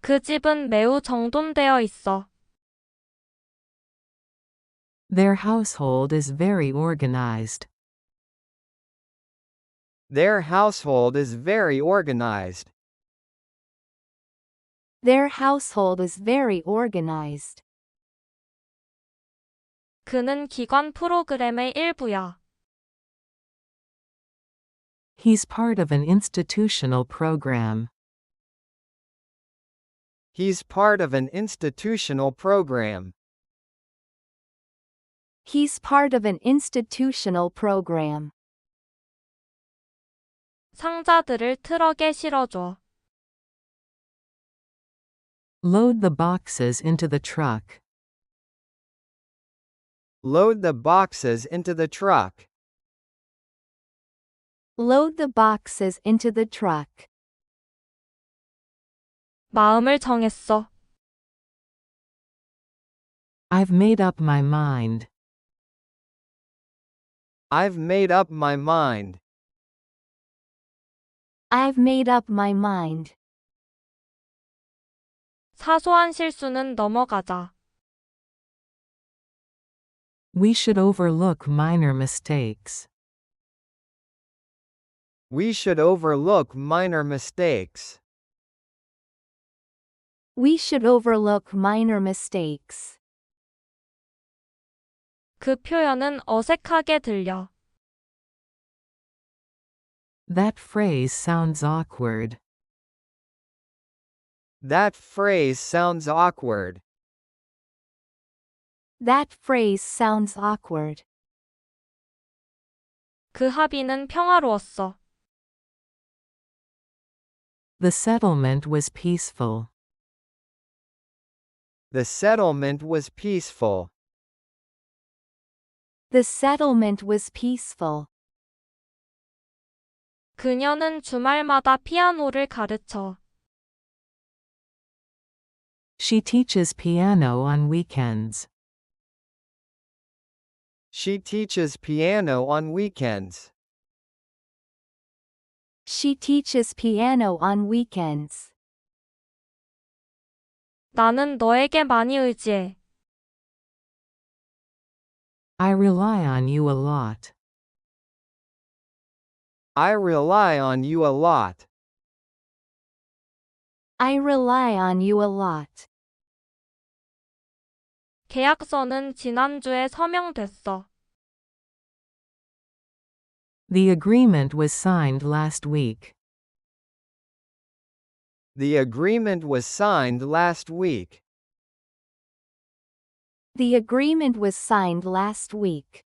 그 집은 매우 정돈되어 있어. Their household is very organized. Their household is very organized. Their household is very organized. 그는 기관 프로그램의 일부야. He's part of an institutional program. He's part of an institutional program. He's part of an institutional program. 상자들을 트럭에 실어줘. Load the boxes into the truck. Load the boxes into the truck. Load the boxes into the truck. 마음을 정했어. I've made up my mind. I've made up my mind. I've made up my mind. 사소한 실수는 넘어가자. We should overlook minor mistakes. We should overlook minor mistakes. We should overlook minor mistakes. 그 표현은 어색하게 들려. That phrase sounds awkward. That phrase sounds awkward. That phrase sounds awkward. 그 합의는 평화로웠어. The settlement was peaceful. The settlement was peaceful. The settlement was peaceful. 그녀는 주말마다 피아노를 가르쳐. She teaches piano on weekends. She teaches piano on weekends. She teaches piano on weekends. 나는 너에게 많이 의지해. I rely on you a lot. I rely on you a lot. I rely on you a lot. 계약서는 지난주에 서명됐어. The agreement was signed last week. The agreement was signed last week. The agreement was signed last week.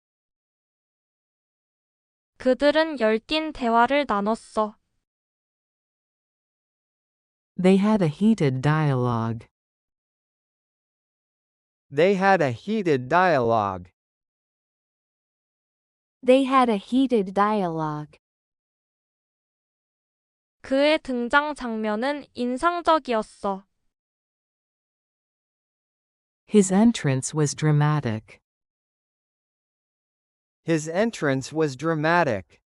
그들은 열띤 대화를 나눴어. They had a heated dialogue. They had a heated dialogue. They had a heated dialogue. 그의 등장 장면은 인상적이었어. His entrance was dramatic. His entrance was dramatic.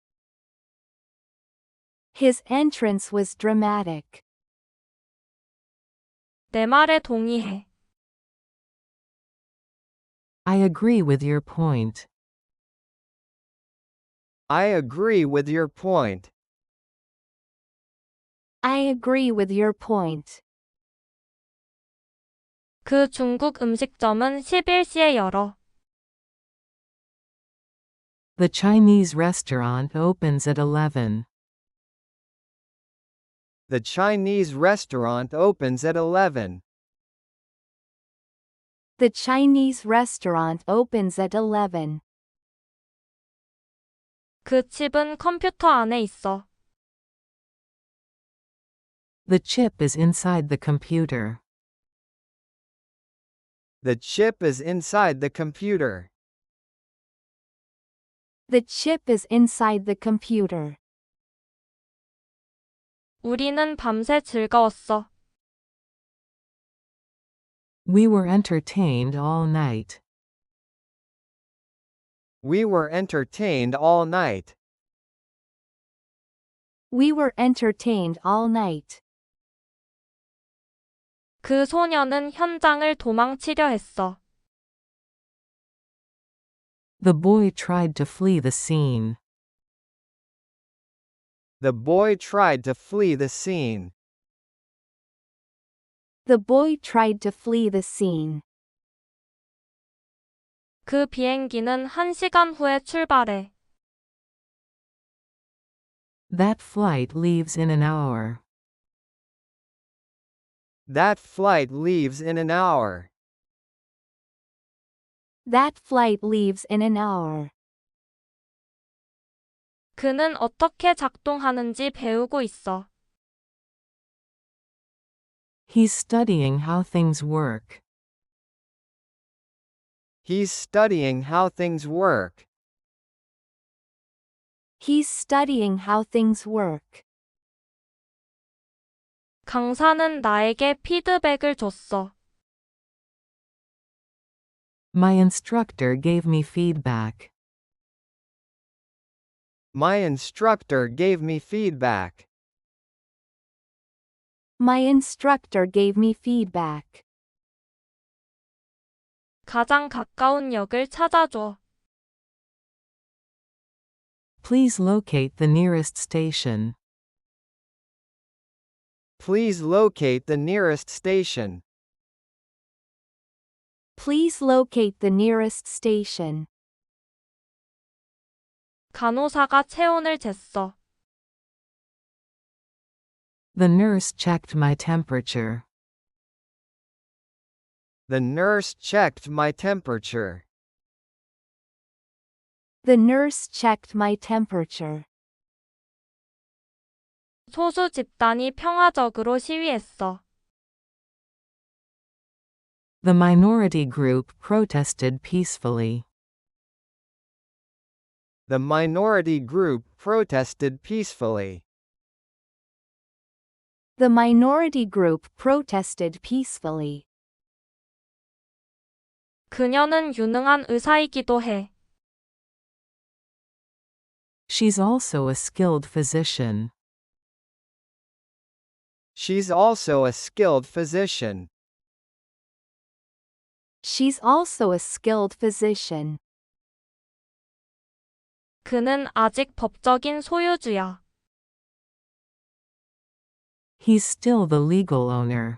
His entrance was dramatic. 내 말에 동의해. I agree with your point. I agree with your point. I agree with your point. 그 중국 음식점은 11시에 열어. The Chinese restaurant opens at 11. The Chinese restaurant opens at 11. The Chinese restaurant opens at 11. 그 칩은 컴퓨터 안에 있어. The chip is inside the computer. The chip is inside the computer. The chip is inside the computer. 우리는 밤새 즐거웠어. We were entertained all night. We were entertained all night. We were entertained all night. 그 소녀는 현장을 도망치려 했어. The boy tried to flee the scene. The boy tried to flee the scene. The boy tried to flee the scene. 그 비행기는 1시간 후에 출발해. That flight leaves in an hour. That flight leaves in an hour. That flight leaves in an hour. 그는 어떻게 작동하는지 배우고 있어. He's studying how things work. He's studying how things work. He's studying how things work. 강사는 나에게 피드백을 줬어. My instructor gave me feedback. My instructor gave me feedback. My instructor gave me feedback. 가장 가까운 역을 찾아줘. Please locate the nearest station. Please locate the nearest station. Please locate the nearest station. 간호사가 체온을 쟀어. The nurse checked my temperature. The nurse checked my temperature. The nurse checked my temperature. 소수 집단이 평화적으로 시위했어. The minority group protested peacefully. The minority group protested peacefully. The minority group protested peacefully. 그녀는 유능한 의사이기도 해. She's also a skilled physician. She's also a skilled physician. She's also a skilled physician. 그는 아직 법적인 소유주야. He's still the legal owner.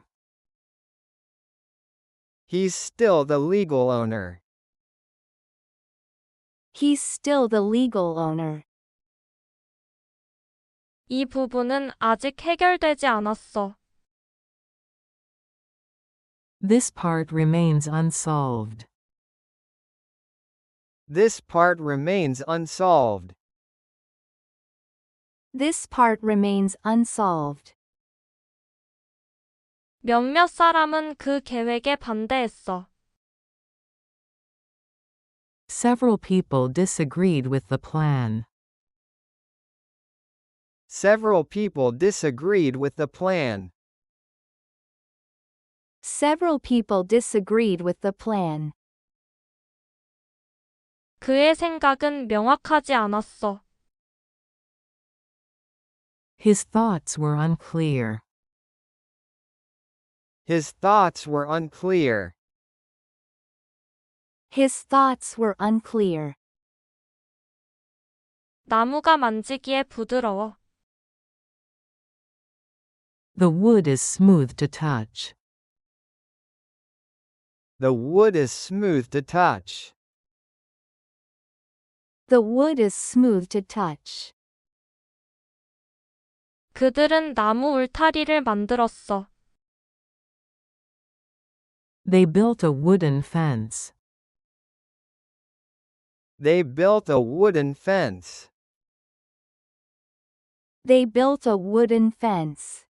He's still the legal owner. He's still the legal owner. 이 부분은 아직 해결되지 않았어. This part remains unsolved. This part remains unsolved. This part remains unsolved. 몇몇 사람은 그 계획에 반대했어. Several people disagreed with the plan. Several people disagreed with the plan. Several people disagreed with the plan. 그의 생각은 명확하지 않았어. His thoughts were unclear. His thoughts were unclear. His thoughts were unclear. 나무가 만지기에 부드러워. The wood is smooth to touch. The wood is smooth to touch. The wood is smooth to touch. 그들은 나무 울타리를 만들었어. They built a wooden fence. They built a wooden fence. They built a wooden fence.